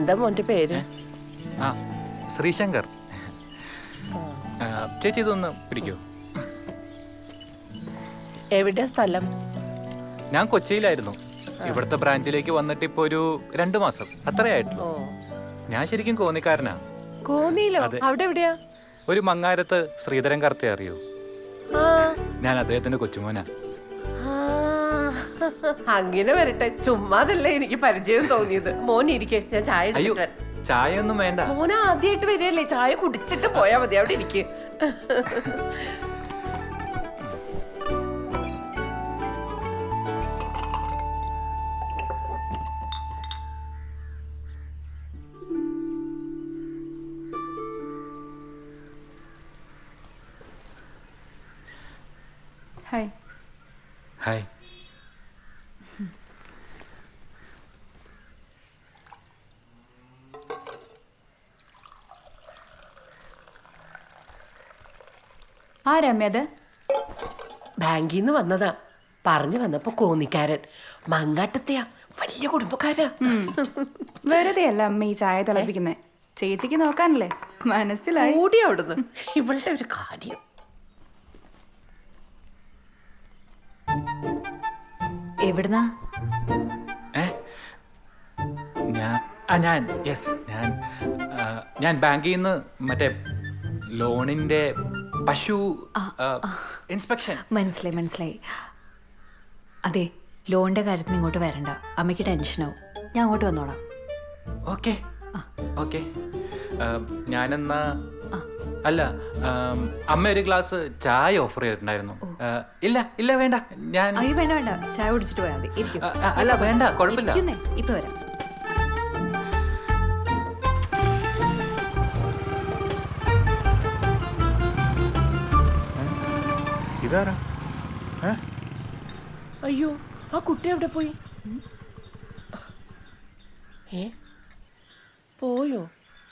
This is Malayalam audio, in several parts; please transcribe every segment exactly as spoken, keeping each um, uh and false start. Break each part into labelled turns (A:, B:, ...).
A: എന്താ മോന്റെ പേര്?
B: ആ ശ്രീശങ്കർ. ചേച്ചി ഇതൊന്ന് പിടിക്കൂ.
A: എവിടെ സ്ഥലം?
B: ഞാൻ കൊച്ചിയിലായിരുന്നു. ഇവിടുത്തെ ബ്രാഞ്ചിലേക്ക് വന്നിട്ട് ഇപ്പൊ ഒരു രണ്ടു മാസം അത്രയായിട്ടുള്ളൂ. ഞാൻ ശരിക്കും കോന്നിക്കാരനാ.
A: കോന്നിയിലോ? അവിടെ എവിടെയാ?
B: ഒരു മങ്ങാരത്ത് ശ്രീധരൻ കർത്തെ അറിയോ? ഞാൻ അദ്ദേഹത്തിന്റെ കൊച്ചുമോനാ.
A: അങ്ങനെ വരട്ടെ, ചുമ്മാതല്ലേ എനിക്ക് പരിചയം തോന്നിയത്. മോൻ ഇരിക്കെ, ഞാൻ ചായ
B: അയ്യോ ചായ ഒന്നും വേണ്ട.
A: മോൻ ആദ്യമായിട്ട് വരികയല്ലേ, ചായ കുടിച്ചിട്ട് പോയാ മതി. അവിടെ ഇരിക്കെ.
C: ഹായ്.
B: ഹായ്.
C: ആ രമ്യത്
A: ബാങ്കിൽ നിന്ന് വന്നതാ. പറഞ്ഞു വന്നപ്പോ കോന്നിക്കാരൻ. മങ്ങാട്ടത്തെയാ, വലിയ കുടുംബക്കാരാ.
C: വെറുതെ അല്ല അമ്മ ഈ ചായ തിളപ്പിക്കുന്നേ. ചേച്ചിക്ക് നോക്കാനല്ലേ. മനസ്സിലായി.
A: ഓടി അവിടുന്ന്. ഇവളുടെ ഒരു കാര്യം.
C: എവിടുന്നാ?
B: ഞാൻ ആ ഞാൻ യെസ് ഞാൻ ഞാൻ ബാങ്കിൽ നിന്ന് മറ്റേ ലോണിന്റെ പശു ഇൻസ്പെക്ഷൻ.
C: മനസ്സിലായി മനസ്സിലായി. അതെ, ലോണിന്റെ കാര്യത്തിന് ഇങ്ങോട്ട് വരണ്ട, അമ്മയ്ക്ക് ടെൻഷനാവും. ഞാൻ അങ്ങോട്ട് വന്നോളാം.
B: Okay okay. ഞാനെന്നാ അല്ല, അമ്മ ഒരു ഗ്ലാസ് ചായ ഓഫർ ചെയ്തിട്ടുണ്ടായിരുന്നു. ഇല്ല ഇല്ല വേണ്ട, ഞാൻ
C: അയ്യോ വേണ്ട വേണ്ട, ചായ കുടിച്ചിട്ട് പോയാൽ മതി. ഇരിക്കും.
B: അല്ല വേണ്ട, കുഴപ്പമില്ല.
C: ഇപ്പൊ വരാം.
D: ഇതാരാ?
A: അയ്യോ, ആ കുട്ടി എവിടെ പോയി? ഏ പോയോ?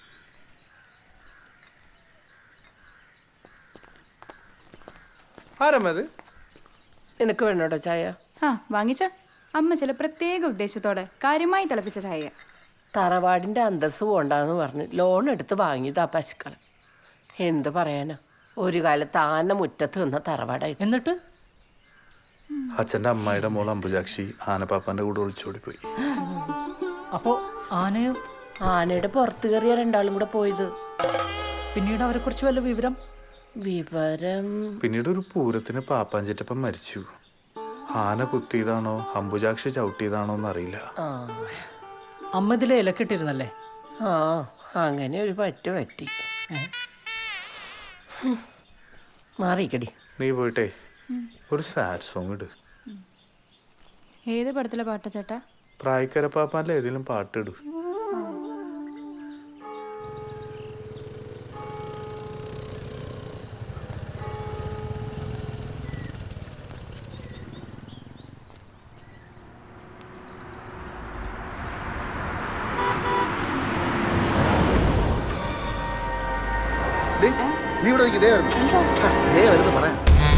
D: ആരമ്മത്?
A: നിനക്ക് വേണോട്ടോ ചായ?
C: ആ വാങ്ങിച്ചോ. അമ്മ ചില പ്രത്യേക ഉദ്ദേശത്തോടെ കാര്യമായി തിളപ്പിച്ച ചായ.
A: തറവാടിന്റെ അന്തസ് പോണ്ടെന്ന് പറഞ്ഞ് ലോൺ എടുത്ത് വാങ്ങിയതാ പശുക്കളെ. എന്ത് പറയാനാ, ഒരു കാലത്ത് ആന മുറ്റത്ത് നിന്ന തറവാടായി.
E: എന്നിട്ട്
D: അച്ഛൻ്റെ അമ്മായിയുടെ മോൾ അമ്പുജാക്ഷി ആനപ്പാപ്പാന്റെ കൂടെ ഒളിച്ചോടിപ്പോയി.
E: അപ്പോ ആനയോ?
A: ആനയുടെ പുറത്ത് കയറിയ രണ്ടാളും കൂടെ പോയത്.
E: പിന്നീട് അവരെ കുറിച്ച് വല്ല വിവരം?
A: വിവരം
D: പിന്നീട് ഒരു പൂരത്തിന് പാപ്പാഞ്ചിറ്റപ്പം മരിച്ചു. ആന കുത്തിയതാണോ അമ്പുജാക്ഷി ചവിട്ടിയതാണോ എന്നറിയില്ല.
A: ആ
E: അമ്മ ഇതിലെ ഇലക്കിട്ടിരുന്നല്ലേ?
A: ആ അങ്ങനെ ഒരു പറ്റു പറ്റി. മാറിക്കടി.
D: നീ പോയിട്ടേ ഒരു സാഡ് സോങ് ഇട്.
C: ഏത് പടത്തിലെ പാട്ട ചേട്ടാ?
D: പ്രായക്കര പാപ്പാന്റെ ഏതെങ്കിലും പാട്ടിടു.
F: നീ ഇവിടെ ഇതേ വരുന്നു ഏ വരുന്നു പറയാം.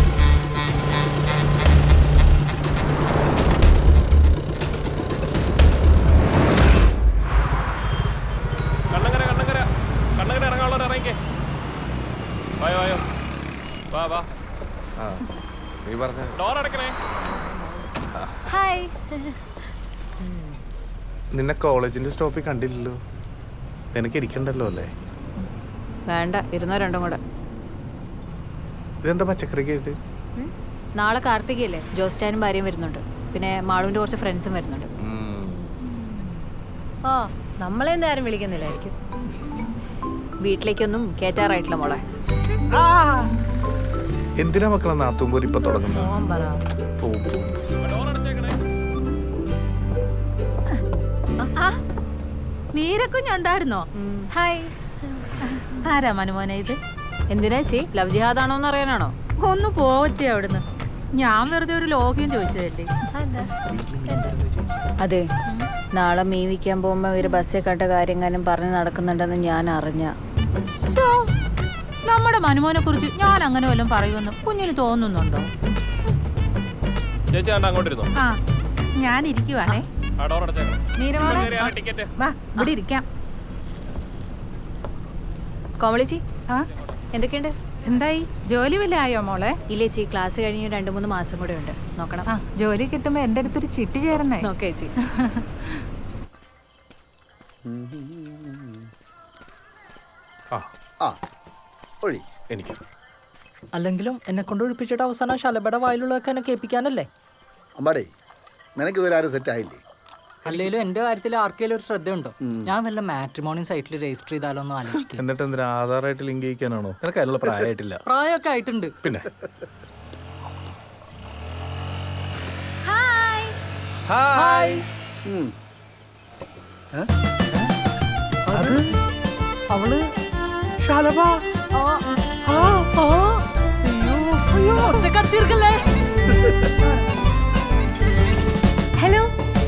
B: കണ്ണങ്കര കണ്ണങ്കര കണ്ണങ്കര ഇറങ്ങാനുള്ളവർ ഇറങ്ങിക്കേ. വായോ വായോ വാ വാ.
D: നീ പറഞ്ഞ
B: ഡോർ അടക്കണേ.
C: ഹായ്.
D: നിന്നെ കോളേജിന്റെ സ്റ്റോപ്പിൽ കണ്ടില്ലല്ലോ. നിനക്ക് ഇരിക്കണ്ടല്ലോ അല്ലേ?
C: വേണ്ട, ഇരുന്നോ രണ്ടും കൂടെ.
D: ഇതെന്താ പച്ചക്കറി കേട്ട്?
C: നാളെ കാർത്തികയല്ലേ, ജോസ്റ്റാനും ഭാര്യയും വരുന്നുണ്ട്. പിന്നെ മാളുവിന്റെ കുറച്ച് ഫ്രണ്ട്സും വരുന്നുണ്ട്.
G: ഓ, നമ്മളെന്താ ആരും വിളിക്കുന്നില്ലായിരിക്കും.
C: വീട്ടിലേക്കൊന്നും കേറ്റാറായിട്ടില്ല മോളെ.
D: എന്തിനാ മക്കളെ നാത്തുമ്പോൾ ഇപ്പൊ തുടങ്ങുന്നത്?
B: ഡോർ അടച്ചേക്കണേ.
G: നീരക്കുഞ്ഞുണ്ടായിരുന്നോ? ഹായ്. ആരാ മനുമോനെ ഇത്?
C: എന്തിനാ ചേ, ലവ് ജിഹാദാണോ എന്ന് അറിയാനാണോ?
G: ഒന്ന് പോവച്ചേ അവിടുന്ന്. ഞാൻ വെറുതെ ഒരു ലോഗ്യം ചോദിച്ചതല്ലേ.
C: അതെ, നാളെ മീൻ വിൽക്കാൻ പോകുമ്പോ ഇവര് ബസ്സിൽ കണ്ട കാര്യങ്ങളും പറഞ്ഞ് നടക്കുന്നുണ്ടെന്ന് ഞാൻ അറിഞ്ഞ.
G: നമ്മുടെ മനുമോനെ കുറിച്ച് ഞാൻ അങ്ങനെ വല്ലതും പറയുമെന്ന് കുഞ്ഞിന് തോന്നുന്നുണ്ടോ?
B: ചേച്ചി കണ്ട അങ്ങോട്ടിരുന്നോ?
G: ആ ഞാൻ ഇരിക്കുവാണേ.
B: ആ ഡോർ അടച്ചേക്കണേ.
G: നീരമോളെ
B: ടിക്കറ്റ്
G: വാ, ഇവിടെ ഇരിക്കാം.
C: കോമളിച്ചി
G: ആ
C: എന്തൊക്കെയുണ്ട്?
G: എന്തായി ജോലി വല്ല ആയോ മോളെ?
C: ഇല്ലേ ചേച്ചി, ക്ലാസ് കഴിഞ്ഞ് രണ്ട് മൂന്ന് മാസം കൂടെ ഉണ്ട്. നോക്കണം.
G: ആ ജോലി കിട്ടുമ്പോ എൻ്റെ അടുത്തൊരു ചിട്ടി ചേരണേ.
C: നോക്കേ ചേച്ചി.
D: ആ
F: ആ ഒഴി.
D: എനിക്ക്
E: അല്ലെങ്കിലും എന്നെ കൊണ്ട് ഒഴിപ്പിച്ചിട്ട് അവസാനം ശലഭയുടെ വായിലുള്ളതൊക്കെ എന്നെ കേൾപ്പിക്കാനല്ലേ?
F: അമ്മാടേ നിനക്ക് ഇതുവരെ ആരും സെറ്റ് ആയില്ലേ?
E: അല്ലെങ്കിലും എന്റെ കാര്യത്തിൽ ആർക്കെങ്കിലും ഒരു ശ്രദ്ധയുണ്ടോ? ഞാൻ വല്ല മാട്രിമോണി സൈറ്റിൽ രജിസ്റ്റർ ചെയ്താലോ എന്ന് ആലോചിക്കും.
D: എന്നിട്ട് എന്തിനാ ആധാറായിട്ട് ലിങ്ക് ചെയ്യിക്കാനാണോ? നിനക്ക് അതിനുള്ള പ്രായമായിട്ടില്ല.
E: പ്രായമൊക്കെ ആയിട്ടുണ്ട്.
D: പിന്നെ
E: ഹായ്.
F: ഉം.
D: അത്
E: അവള്
D: ശാലഭ.
E: ആ, ആ, ആ. അയ്യോ, അയ്യോ, ഒറ്റക്കടത്തിയിരിക്കല്ലേ?
C: ഹലോ.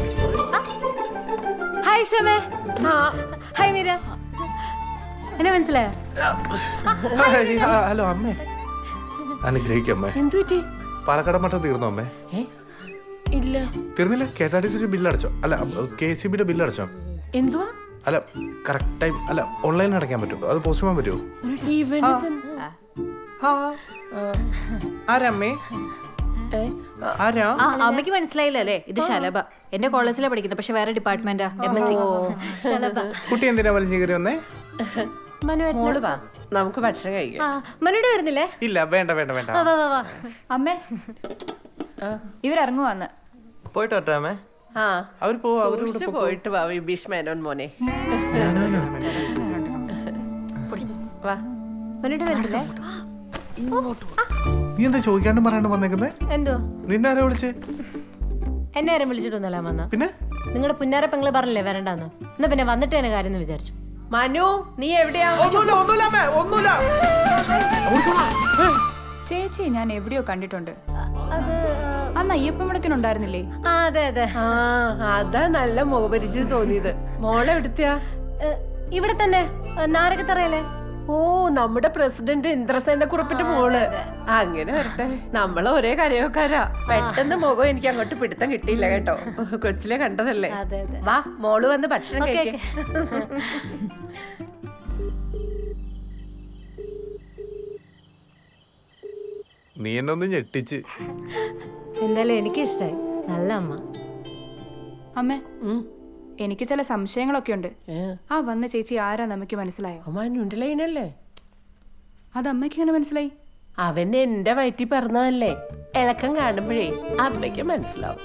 C: ഹായ് ഷമേ.
A: ആ
C: ഹായ് മീര. എന്നെ മനസ്സിലായോ?
D: ഹായ്, ആ, ഹലോ അമ്മേ. അനുഗ്രഹിക്കും അമ്മേ.
A: എന്തു പറ്റി?
D: പാലക്കാട് മട്ടം തീർന്നോ അമ്മേ?
A: ഏ ഇല്ല.
D: തീർന്നില്ല? K S R T C bill അടച്ചോ? അല്ല കെ സി ബിയുടെ ബില്ല് അടച്ചോ?
A: എന്തുവാ?
D: അല്ല കറക്റ്റ് ടൈം അല്ല ഓൺലൈൻ അടയ്ക്കാൻ പറ്റുമോ? അത് പോസ്റ്റ് ചെയ്യാൻ പറ്റുമോ?
A: ഇവന് തന്നെ-
D: ആരമ്മേ?
A: ഏ, ആ,
D: ആരാ?
C: ആ അമ്മയ്ക്ക് മനസ്സിലായില്ല അല്ലേ? ഇത് ശലഭ. എന്റെ കോളേജിലാണ് പഠിക്കുന്നത്, പക്ഷെ വേറെ ഡിപ്പാർട്ട്മെന്റാ. M S C.
D: കുട്ടി എന്തിനാ വലിഞ്ഞു കയറി വന്നേ?
A: മോള് വാ, നമുക്ക് ഭക്ഷണം കഴിക്കാം.
C: മനുടെ വരുന്നില്ലേ?
D: ഇല്ല വേണ്ട വേണ്ട വേണ്ട.
H: അമ്മേ ഇവരിറങ്ങുവാന്ന്.
I: പോയിട്ട് വട്ടാമേ.
A: ആ
D: അവർ പോവാ.
A: സൂക്ഷിച്ച് പോയിട്ട് വാ വിഭീഷ് മേനോൻ മോനെ. വാ.
H: മനുടെ വരുന്നില്ലേ?
D: നീ എന്താ ചോദിക്കാണ്ട് പറയാണ്ട് വന്നേക്കുന്നേ?
H: എന്തോ
D: നിന്നെ ആരാ വിളിച്ചേ?
H: എന്നെ ആരും വിളിച്ചിട്ടൊന്നുമല്ല വന്ന.
D: പിന്നെ
H: നിങ്ങളുടെ പുന്നാര പെങ്ങള് പറഞ്ഞില്ലേ വരണ്ടെന്ന്. എന്നാ പിന്നെ വന്നിട്ട് തന്നെ കാര്യം എന്ന് വിചാരിച്ചു.
A: മനു നീ എവിടെയാ?
D: ഒന്നുമില്ല ഒന്നുമില്ല അമ്മേ ഒന്നുമില്ല.
H: ചേച്ചി ഞാൻ എവിടെയോ കണ്ടിട്ടുണ്ട്. അന്ന് അയ്യപ്പൻ വിളക്കിനുണ്ടായിരുന്നില്ലേ?
A: ആ അതെ അതെ. ആ അതാ നല്ല മുഖപരിചയം തോന്നിയത്. മോളെ എവിടുത്തെയാ?
H: ഇവിടെ തന്നെ നാരകത്തറയല്ലേ?
A: ഓ നമ്മുടെ പ്രസിഡന്റ് ഇന്ദ്രസേന കുറിപ്പിന്റെ മോള്. അങ്ങനെ വരട്ടെ, നമ്മള് ഒരേ കരയോക്കാരാ. പെട്ടെന്ന് മുഖം എനിക്ക് അങ്ങോട്ട് പിടുത്തം കിട്ടിയില്ല കേട്ടോ. കൊച്ചിലെ കണ്ടതല്ലേ. വാ മോള് വന്ന് ഭക്ഷണം കഴിക്കാം.
D: നീ എന്നെ ഒന്ന് ഞെട്ടിച്ച്.
H: എന്തായാലും എനിക്ക് ഇഷ്ടായി. നല്ല അമ്മ. അമ്മേ എനിക്ക് ചില സംശയങ്ങളൊക്കെ ഉണ്ട്. ആ വന്ന ചേച്ചി ആരാ നമുക്ക് മനസ്സിലായോ?
A: മനുണ്ടല്ലേ?
H: അത് അമ്മയ്ക്ക് ഇങ്ങനെ മനസ്സിലായി?
A: അവൻ എന്റെ വയറ്റിൽ പറഞ്ഞതല്ലേ. ഇളക്കം കാണുമ്പോഴേ അമ്മയ്ക്ക് മനസ്സിലാവും.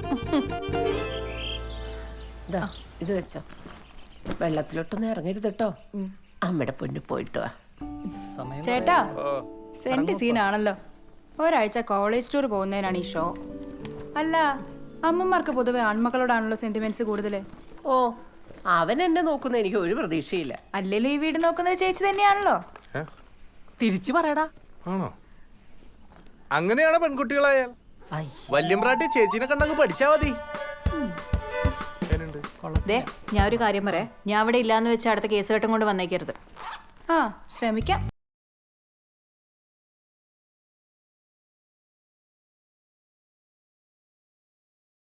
A: ദാ, ഇത് വെച്ചോ. വെള്ളത്തിലോട്ടൊന്നും ഇറങ്ങരുത് കേട്ടോ. അമ്മയുടെ പൊന്നു പോയിട്ട് വാ.
E: സമയം
H: ചേട്ടാ സെന്റ് സീനാണല്ലോ. ഒരാഴ്ച കോളേജ് ടൂർ പോകുന്നതിനാണ് ഈ ഷോ. അല്ല അമ്മമാർക്ക് പൊതുവെ ആൺമക്കളോടാണല്ലോ സെന്റിമെന്റ്സ് കൂടുതല്.
A: ഓ അവൻ എന്നെ നോക്കുന്ന എനിക്ക് ഒരു പ്രതീക്ഷയില്ല.
H: അല്ലല്ലോ ഈ വീട് നോക്കുന്നത് ചേച്ചി തന്നെയാണല്ലോ.
E: തിരിച്ചു പറയടാ.
D: ആണോ? അങ്ങനെയാണ് പെൺകുട്ടികളായാൽ. വല്യമ്പ്രാട്ടി ചേച്ചിനെ കണ്ടങ്ങ് പഠിച്ചാ മതി.
C: ദേ, ഞാൻ ഒരു കാര്യം പറയാം. ഞാൻ അവിടെ ഇല്ലാന്ന് വെച്ച് അടുത്ത കേസ് കെട്ടും കൊണ്ട് വന്നേക്കരുത്.
H: ആ ശ്രമിക്കാം.